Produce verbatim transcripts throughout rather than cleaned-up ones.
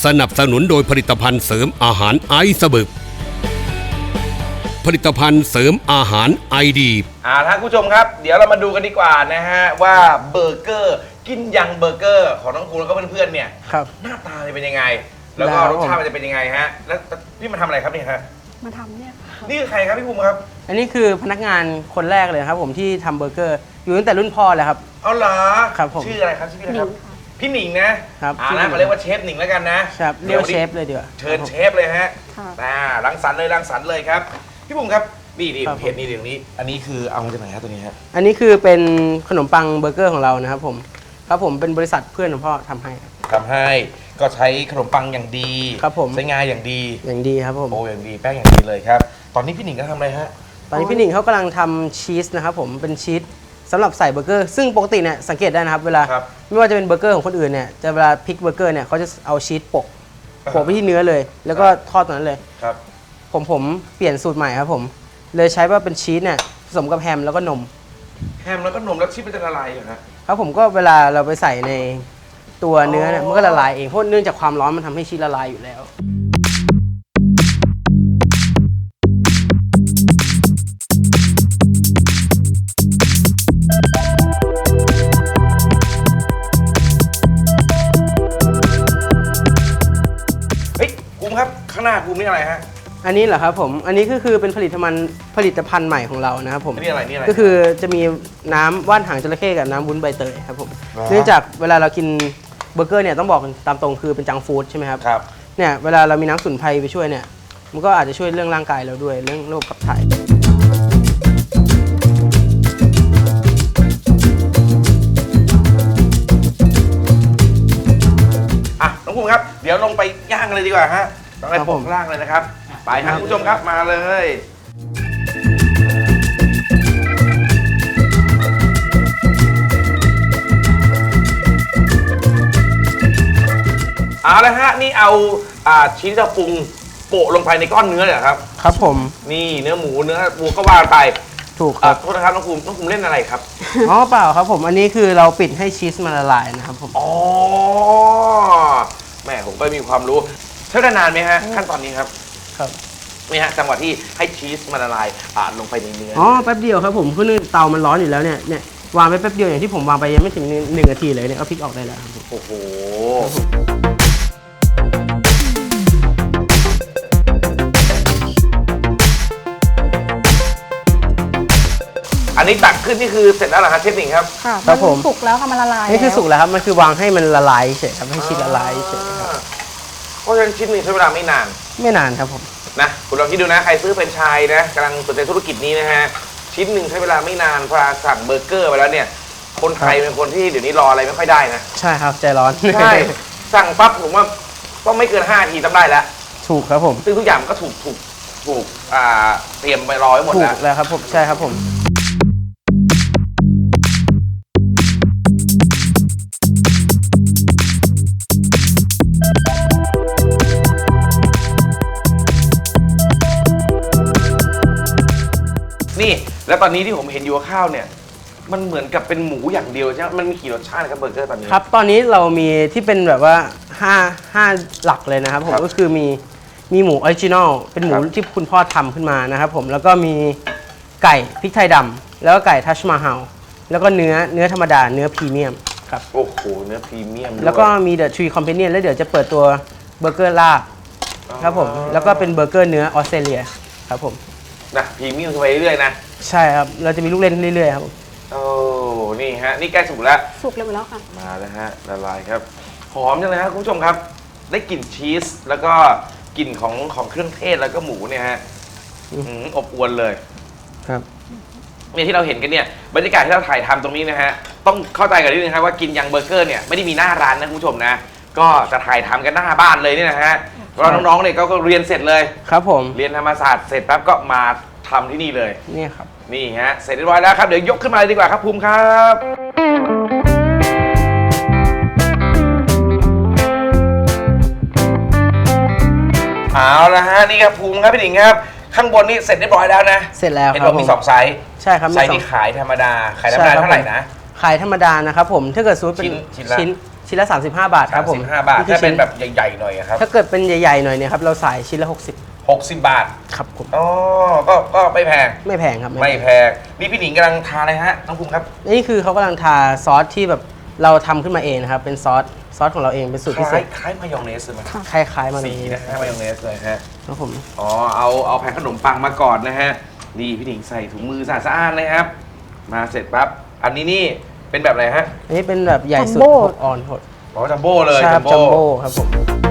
นับสนุนโดยผลิตภัณฑ์เสริมอาหารไอซ์บึกผลิตภัณฑ์เสริมอาหารไอดีอ่าท่านผู้ชมครับเดี๋ยวเรามาดูกันดีกว่านะฮะว่าเบอร์เกอร์กินยังเบอร์เกอร์ของน้องภูแล้วก็เพื่อนๆเนี่ยหน้าตาจะเป็นยังไงแล้วก็รสชาติมันจะเป็นยังไงฮะแล้วพี่มาทำอะไรครับเนี่ยฮะมาทำเนี่ยนี่คือใครครับพี่ภูมิครับอันนี้คือพนักงานคนแรกเลยครับผมที่ทำเบอร์เกอร์อยู่ตั้งแต่รุ่นพ่อเลยครับเอาเหรอครับผมชื่ออะไรครับชื่ออะไรครับพี่หนิงนะครับอ่านะมาเรียกว่าเชฟหนิงแล้วกันนะครับเรียกเชฟเลยดีกว่าเชิญเชฟเลยฮะอ่ารังสรรค์เลยรังสรรค์เลยครับพี่ภูมิครับนี่นี่เพจนี่เดี๋ยวนี้อันนี้คือเอามาจากไหนครับตัวนี้ฮะอันนี้คือเป็นขนมปังเบอร์เกอร์ของเรานะครับผมครับผมเป็นบริษัทเพื่อนของพ่อทำให้ทำให้ก็ใช้ขนมปังอย่างดีครับผมใช้งานอย่างดีอย่างดีครับผมโอ้อย่างดีแป้งอย่างดีเลยครับตอนนี้พี่หนิงก็ทำอะไรฮะตอนนี้พี่หนิงเขากำลังทำชีสนะครับผมเป็นชีสสำหรับใส่เบอร์เกอร์ซึ่งปกติเนี่ยสังเกตได้นะครับเวลาไม่ว่าจะเป็นเบอร์เกอร์ของคนอื่นเนี่ยจะเวลาพลิกเบอร์เกอร์เนี่ยเขาจะเอาชีสปกโปะไปที่เนื้อเลยแล้วก็ทอดตรงนั้นเลยครับผมผมเปลี่ยนสูตรใหม่ครับผมเลยใช้ว่าเป็นชีสเนี่ยผสมกับแฮมแล้วก็นมแฮมแล้วก็นมแล้วชีสมันจะละลายเหรอครับครับผมก็เวลาเราไปใส่ในตัวเนื้อเนี่ยมันก็ละลายเองเพราะเนื่องจากความร้อนมันทำให้ชีสละลายอยู่แล้วเฮ้ยภูมิครับข้างหน้าภูมินี่อะไรฮะอันนี้เหรอครับผมอันนี้ก็คือเป็นผลิตภัณฑ์ผลิตภัณฑ์ใหม่ของเรานะครับผมนี่อะไรนี่อะไรก็คือจะมีน้ำว่านหางจระเข้กับน้ำวุ้นใบเตยครับผมเนื่องจากเวลาเรากินเบอร์เกอร์เนี่ยต้องบอกตามตรงคือเป็นจังก์ฟู้ดใช่ไหมครับครับเนี่ยเวลาเรามีน้ำสมุนไพรไปช่วยเนี่ยมันก็อาจจะช่วยเรื่องร่างกายเราด้วยเรื่องโรคขับถ่ายอ่ะน้องภูมิครับเดี๋ยวลงไปย่างเลยดีกว่าฮะต้องให้ผมล่างเลยนะครับไปครับคุณผู้ชมครับมาเลยเอาละฮะนี่เอาอ่าชิ้นจะปรุงโปะลงไปในก้อนเนื้อเลยครับครับผมนี่เนื้อหมูเนื้อวัวก็วางไปถูกครับโทษนะครับน้องภูมิน้องภูมิเล่นอะไรครับอ๋อเปล่าครับผมอันนี้คือเราปิดให้ชีสมันละลายนะครับผมอ๋อแม่ผมก็มีความรู้ใช้นานไหมฮะขั้นตอนนี้ครับครับนี่ฮะจังหวะที่ให้ชีสมันละลายอ่าลงไปในเนื้ออ๋อแป๊บเดียวครับผมเพราะเนื่องเตามันร้อนอยู่แล้วเนี่ยเนี่ยวางไปแป๊บเดียวอย่างที่ผมวางไปยังไม่ถึงหนึ่งนาทีเลยเนี่ยก็พลิกออกได้แล้วครับโอ้โหอันนี้ตักขึ้นนี่คือเสร็จแล้วเหรอครับเชฟหนิงครับค่ะครับผมสุกแล้วค่ะมันละลายนี่คือสุกแล้วครับมันคือวางให้มันละลายเฉยครับให้ชีสละลายเฉยครับเพราะฉะนั้นชิ้นหนึ่งใช้เวลาไม่นานไม่นานครับผมนะคุณลองคิดดูนะใครซื้อเป็นไชส์นะกำลังสนใจธุรกิจนี้นะฮะชิ้นหนึ่งใช้เวลาไม่นานพอสั่งเบอร์เกอร์ไปแล้วเนี่ยคนไทยเป็นคนที่เดี๋ยวนี้รออะไรไม่ค่อยได้นะใช่ครับใจร้อนใช่สั่งปั๊บผมว่าต้องไม่เกินห้านาทีทำได้แล้วถูกครับผมซึ่งทุกอย่างก็ถูกถูกถูกอ่าเตรียมไปรอไว้หมดแล้วถูกแล้วครับผมใช่ครับผมนี่แล้วตอนนี้ที่ผมเห็นอยู่ข้าวเนี่ยมันเหมือนกับเป็นหมูอย่างเดียวใช่ไหมมันมีกี่รสชาติครับเบอร์เกอร์ตอนนี้ครับตอนนี้เรามีที่เป็นแบบว่าห้า ห้าหลักเลยนะครับผมก็คือมีมีหมูออริจินอลเป็นหมูที่คุณพ่อทำขึ้นมานะครับผมแล้วก็มีไก่พริกไทยดำแล้วก็ไก่ทัชมาฮาลแล้วก็เนื้อเนื้อธรรมดาเนื้อพรีเมียมครับโอ้โหเนื้อพรีเมียมแล้วก็มีเดอะทรีคอมเพนียนแล้วเดี๋ยวจะเปิดตัวเบอร์เกอร์ลาบครับผมแล้วก็เป็นเบอร์เกอร์เนื้อออสเตรเลียครับผมนะพรีเมียมไปเรื่อยๆนะใช่ครับเราจะมีลูกเล่นเรื่อยๆครับโอ้นี่ฮะนี่ใกล้สุกแล้วสุกเร็วแล้วค่ะมาแล้วฮะละลายครับหอมจังเลยครับคุณผู้ชมครับได้กลิ่นชีสแล้วก็กลิ่นของของเครื่องเทศแล้วก็หมูเนี่ยฮะอบอวลเลยครับเนี่ยที่เราเห็นกันเนี่ยบรรยากาศที่เราถ่ายทำตรงนี้นะฮะต้องเข้าใจกันนิดนึงครับว่ากินยังเบอร์เกอร์เนี่ยไม่ได้มีหน้าร้านนะคุณผู้ชมนะก็จะถ่ายทำกันหน้าบ้านเลยเนี่ยนะฮะเราน้องๆเนี่ยก็เรียนเสร็จเลยครับผมเรียนธรรมศาสตร์เสร็จปั๊บก็มาทำที่นี่เลยนี่ครับนี่ฮะเสร็จเรียบร้อยแล้วครับเดี๋ยวยกขึ้นมาเลยดีกว่าครับภูมิครับเอาละฮะนี่ครับภูมิครับพี่หนิงครับข้างบนนี่เสร็จเรียบร้อยแล้วนะเสร็จแล้วเห็นบอกมีสองไซส์ใช่ครับไซส์ที่ขายธรรมดาขายธรรมดาเท่าไหร่นะขายธรรมดานะครับผมถ้าเกิดซูตเป็นชิ้นชิ้นชิ้นละ สามสิบห้า บาทครับผมสามสิบห้าบาทนี่คือถ้าเป็นชิ้แบบใหญ่ๆหน่อยอะครับถ้าเกิดเป็นใหญ่ๆหน่อยเนี่ยครับเราใส่ชิ้นละ หกสิบหกสิบบาทครับผมอ๋อก็ก็ไม่แพงไม่แพงครับไม่แพงนี่พี่หนิงกำลังทานอะไรฮะน้องภูมิครับนี่คือเขากำลังทาซอสที่แบบเราทำขึ้นมาเองนะครับเป็นซอสซอสของเราเองเป็นสูตรคพิเศล้ายษคล้ายมายองเนสเลยไหมค่ะคล้ายๆมาสีนี้นะฮะมายองเนสเลยฮะครับผมอ๋อเอาเอาแผ่นขนมปังมาก่อนนะฮะนี่พี่หนิงใส่ถุงมือสะอาดสะอ้านนะครับ มาเสร็จปั๊บอันนี้นี่เป็นแบบไหนฮะอันนี้เป็นแบบใหญ่สุดจัมโบ้หกออนหดอ๋อจัมโบ้เลยใช่ครับจัมโบ้ครับผม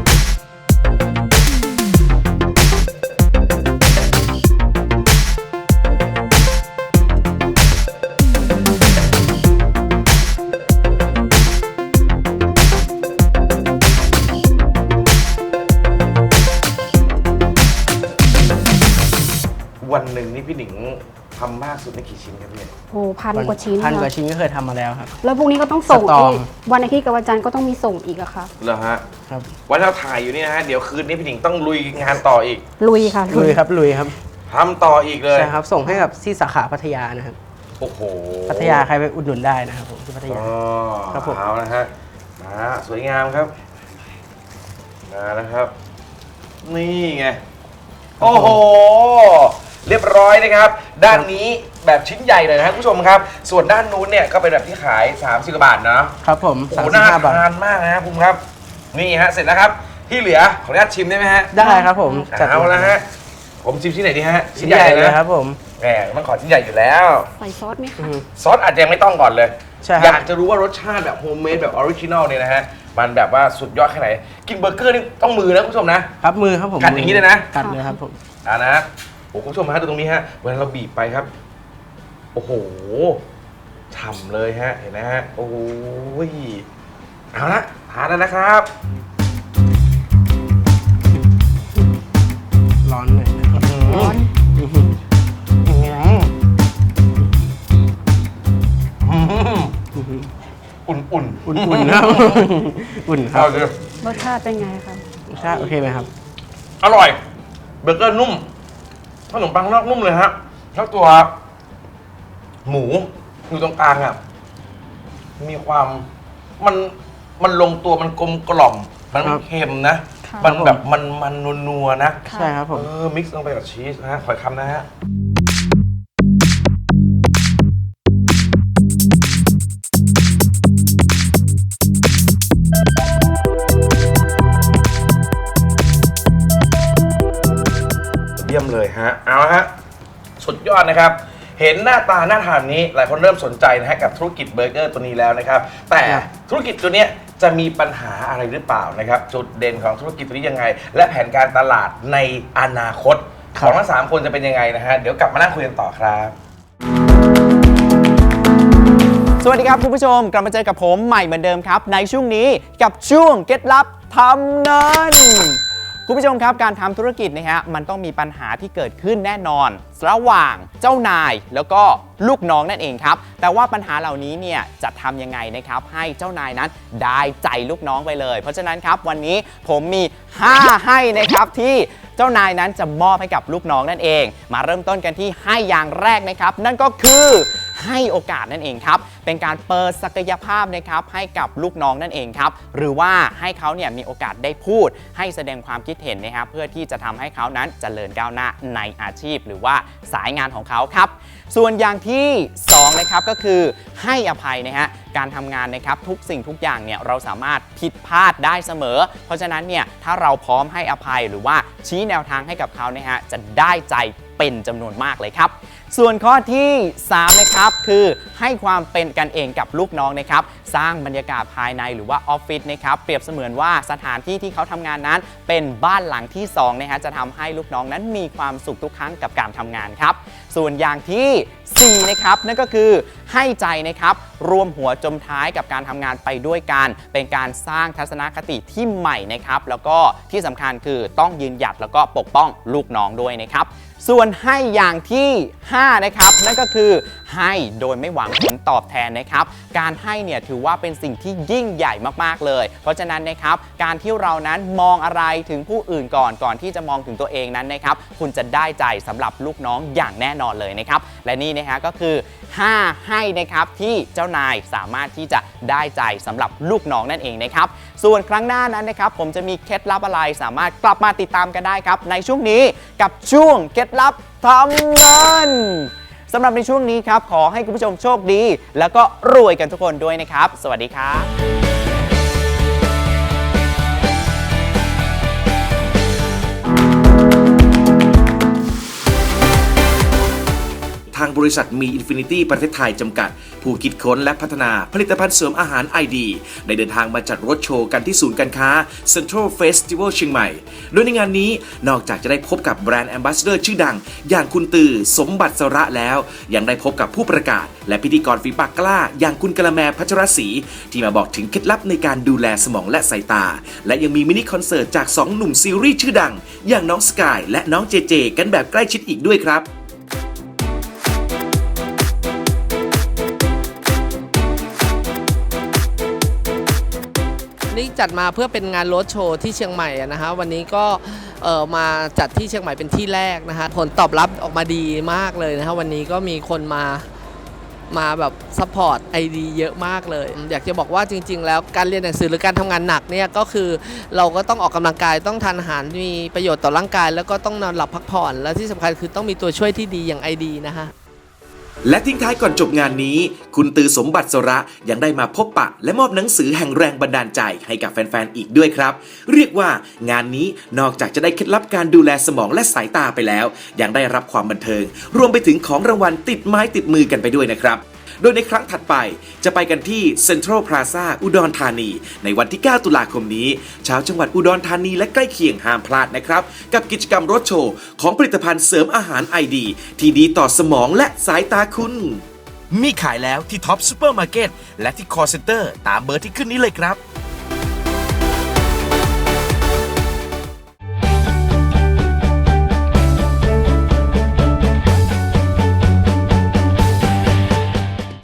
วันหนึ่งนี่พี่หนิงทำมากสุดในกี่ชิ้นครับพี่โอ้พันกว่าชิ้นพันกว่าค่ะชิ้นก็เคยทำมาแล้วครับแล้วพรุ่งนี้ก็ต้องส่งสตออีงกวันอาทิตย์กับวันจันทร์ก็ต้องมีส่งอีกอะค่ะเหรอฮะครับวันที่เราถ่ายอยู่นี่นะฮะเดี๋ยวคืนนี้พี่หนิงต้องลุยงานต่ออีกลุยค่ะลุยครับลุยครับทำต่ออีกเลยใช่ครับส่งให้กับที่สาขาพัทยานะครับโอ้โหพัทยาใครไปอุดหนุนได้นะครับผมที่พัทยาอ๋อครับผมเอานะฮะมาสวยงามครับมาแล้วครับ นี่ไงโอ้โหเรียบร้อยนะครับ ด้านนี้แบบชิ้นใหญ่เลยนะครับคุณผู้ชมครับ ส่วนด้านนู้นเนี่ยก็เป็นแบบที่ขายสามสิบกว่าบาทเนาะครับผมโอ้สามโหสิบน่าห้าบาททานมากนะครับภูมิครับ นี่ฮะเสร็จแล้วครับ ที่เหลือขออนุญาตชิมได้ไหมฮะได้ครับผมจัดเอาละฮะผมชิมชิ้นไหนดีฮะชิ้นใหญ่เลยครับผมแหมมันขอชิ้นใหญ่อยู่แล้วใส่ซอสไหมอืคะมซอสอาจจะยังไม่ต้องก่อนเลยใช่ครับอยากจะรู้ว่ารสชาติแบบโฮมเมดแบบออริจินอลเนี่ยนะฮะ มันแบบว่าสุดยอดแค่ไหน กินเบอร์เกอร์นี่ต้องมือนะคุณผู้ชมนะครับมือครับผมกัดอย่างนี้เลยนะกัดเลยครับผมอ่านะโอ้คุณผู้ชมฮะดูตรงนี้ฮะเวลาเราบีบไปครับ โอ้โหฉ่ำเลยฮะ เห็นไหมฮะ โอ้ยเอาละทานแล้วนะครับร้อนหน่อยนะครับร้อนอื้อหืออืมอืมอื้อหืออุ่นๆอุ่นๆนะ อุ่นครัเอาบเลยรสชาติเป็นไงคะใช่โอเคไหมครับอร่อย เบอร์เกอร์นุ่มขนมปังข้างนอกนุ่มเลยฮะแล้วตัว หมูอยู่ตรงกลางอ่ะมีความมันมันลงตัวมันกลมกล่อม มันไม่ครับเค็มนะค่ะมันแบบมันมันนัวๆนะค่ะใช่ครับผมเออมิกซ์ลงไปกับชีสนะฮะขออีกคำนะฮะเยี่ยมเลยฮะเอาละฮะสุดยอดนะครับ เห็นหน้าตาหน้าทานนี้หลายคนเริ่มสนใจนะฮะกับธุรกิจเบอร์เกอร์ตัวนี้แล้วนะครับ แต่ครับธุรกิจตัวเนี้ยจะมีปัญหาอะไรหรือเปล่านะครับ จุดเด่นของธุรกิจตัวนี้ยังไง และแผนการตลาดในอนาคต ของทั้งสามคนจะเป็นยังไงนะฮะเดี๋ยวกลับมานั่งคุยกันต่อครับสวัสดีครับคุณผู้ชมกลับมาเจอกับผมใหม่เหมือนเดิมครับ ในช่วงนี้กับช่วงเคล็ดลับทำเงินคุณผู้ชมครับการทำธุรกิจนะฮะมันต้องมีปัญหาที่เกิดขึ้นแน่นอน ระหว่างเจ้านายแล้วก็ลูกน้องนั่นเองครับแต่ว่าปัญหาเหล่านี้เนี่ยจะทำยังไงนะครับให้เจ้านายนั้นได้ใจลูกน้องไปเลย เพราะฉะนั้นครับวันนี้ผมมีห้าให้นะครับที่เจ้านายนั้นจะมอบให้กับลูกน้องนั่นเอง มาเริ่มต้นกันที่ให้อย่างแรกนะครับนั่นก็คือให้โอกาสนั่นเองครับเป็นการเปิดศักยภาพนะครับให้กับลูกน้องนั่นเองครับหรือว่าให้เขาเนี่ยมีโอกาสได้พูดให้แสดงความคิดเห็นนะครับเพื่อที่จะทำให้เขานั้นเจริญก้าวหน้าในอาชีพหรือว่าสายงานของเขาครับส่วนอย่างที่สองนะครับก็คือให้อภัยนะฮะการทำงานนะครับทุกสิ่งทุกอย่างเนี่ยเราสามารถผิดพลาดได้เสมอ เพราะฉะนั้นเนี่ยถ้าเราพร้อมให้อภัยหรือว่าชี้แนวทางให้กับเขานะฮะจะได้ใจเป็นจำนวนมากเลยครับส่วนข้อที่สามนะครับคือให้ความเป็นกันเองกับลูกน้องนะครับสร้างบรรยากาศภายในหรือว่าออฟฟิศนะครับเปรียบเสมือนว่าสถานที่ที่เขาทำงานนั้นเป็นบ้านหลังที่สองนะฮะจะทำให้ลูกน้องนั้นมีความสุขทุกครั้งกับการทำงานครับส่วนอย่างที่สี่นะครับนั่นก็คือให้ใจนะครับรวมหัวจมท้ายกับการทำงานไปด้วยกันเป็นการสร้างทัศนคติที่ใหม่นะครับแล้วก็ที่สำคัญคือต้องยืนหยัดแล้วก็ปกป้องลูกน้องด้วยนะครับส่วนให้อย่างที่ห้านะครับนั่นก็คือให้โดยไม่หวังผลตอบแทนนะครับการให้เนี่ยถือว่าเป็นสิ่งที่ยิ่งใหญ่มากๆเลยเพราะฉะนั้นนะครับการที่เรานั้นมองอะไรถึงผู้อื่นก่อนก่อนที่จะมองถึงตัวเองนั้นนะครับคุณจะได้ใจสำหรับลูกน้องอย่างแน่นอนเลยนะครับและนี่นะฮะก็คือห้าให้นะครับที่เจ้านายสามารถที่จะได้ใจสำหรับลูกน้องนั่นเองนะครับส่วนครั้งหน้านั้นนะครับผมจะมีเคล็ดลับอะไรสามารถกลับมาติดตามกันได้ครับในช่วงนี้กับช่วงเคล็ดลับทำเงินสำหรับในช่วงนี้ครับขอให้คุณผู้ชมโชคดีแล้วก็รวยกันทุกคนด้วยนะครับสวัสดีครับทางบริษัทมีอินฟินิตี้ประเทศไทยจำกัดผู้คิดค้นและพัฒนาผลิตภัณฑ์เสริมอาหาร ไอ ดี ได้เดินทางมาจัดรถโชว์กันที่ศูนย์การค้า Central Festival เชียงใหม่โดยในงานนี้นอกจากจะได้พบกับแบรนด์แอมบาสเดอร์ชื่อดังอย่างคุณตือสมบัติสระแล้วยังได้พบกับผู้ประกาศและพิธีกรฝีปากกล้าอย่างคุณกะละแมพัชรศรีที่มาบอกถึงเคล็ดลับในการดูแลสมองและสายตาและยังมีมินิคอนเสิร์ตจากสองหนุ่มซีรีส์ชื่อดังอย่างน้องสกายและน้องเจเจกันแบบใกล้ชิดอีกด้วยครับนี่จัดมาเพื่อเป็นงานรถโชว์ที่เชียงใหม่นะฮะวันนี้ก็เอ่อมาจัดที่เชียงใหม่เป็นที่แรกนะฮะผลตอบรับออกมาดีมากเลยนะฮะวันนี้ก็มีคนมามาแบบซัพพอร์ตไอดีเยอะมากเลยอยากจะบอกว่าจริงๆแล้วการเรียนหนังสือหรือการทำงานหนักเนี่ยก็คือเราก็ต้องออกกำลังกายต้องทานอาหารมีประโยชน์ต่อร่างกายแล้วก็ต้องนอนหลับพักผ่อนและที่สำคัญคือต้องมีตัวช่วยที่ดีอย่างไอดีนะฮะและทิ้งท้ายก่อนจบงานนี้คุณตือสมบัติสระยังได้มาพบปะและมอบหนังสือแห่งแรงบันดาลใจให้กับแฟนๆอีกด้วยครับเรียกว่างานนี้นอกจากจะได้เคล็ดลับการดูแลสมองและสายตาไปแล้วยังได้รับความบันเทิงรวมไปถึงของรางวัลติดไม้ติดมือกันไปด้วยนะครับโดยในครั้งถัดไปจะไปกันที่เซ็นทรัลพลาซ่าอุดรธานีในวันที่เก้าตุลาคมนี้ชาวจังหวัดอุดรธานีและใกล้เคียงห้ามพลาดนะครับกับกิจกรรมรถโชว์ของผลิตภัณฑ์เสริมอาหาร ไอ ดี ที่ดีต่อสมองและสายตาคุณมีขายแล้วที่ท็อปซูเปอร์มาร์เก็ตและที่คอลเซ็นเตอร์ตามเบอร์ที่ขึ้นนี้เลยครับ